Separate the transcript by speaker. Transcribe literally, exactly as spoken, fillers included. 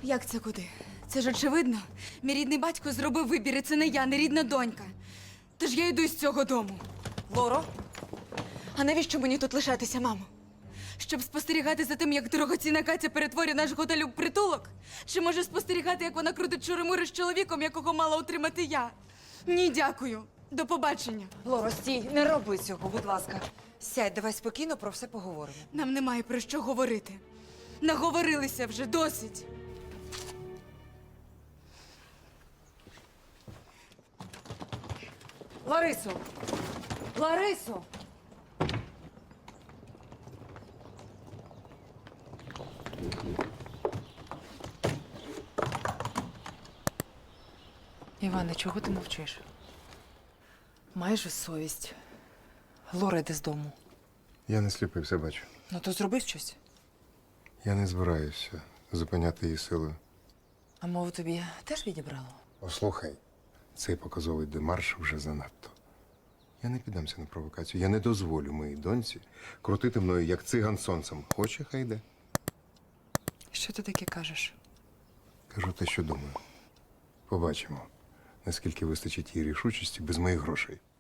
Speaker 1: Як це куди? Це ж очевидно. Мій рідний батько зробив вибір, і це не я, не рідна донька. Тож я йду з цього дому.
Speaker 2: Лоро?
Speaker 1: А навіщо мені тут лишатися, мамо? Щоб спостерігати за тим, як дорогоцінна Катя перетворює наш готель у притулок? Чи може спостерігати, як вона крутить чури-мури з чоловіком, якого мала утримати я? Ні, дякую. До побачення.
Speaker 2: Лоро, стій, не роби цього, будь ласка. Сядь, давай спокійно про все поговоримо.
Speaker 1: Нам немає про що говорити. Наговорилися вже, досить.
Speaker 2: Ларисо! Ларисо! Іване, чого ти мовчиш? Маєш же совість. Лора йде з дому.
Speaker 3: Я не сліпий, все бачу.
Speaker 2: Ну то зроби щось.
Speaker 3: Я не збираюся зупиняти її силою.
Speaker 2: А мову тобі теж відібрало?
Speaker 3: Послухай, цей показовий демарш вже занадто. Я не піддамся на провокацію. Я не дозволю моїй доньці крутити мною, як циган сонцем. Хоче, хай йде.
Speaker 2: Що ти таке кажеш?
Speaker 3: Кажу те, що думаю. Побачимо, наскільки вистачить їй рішучості без моїх грошей.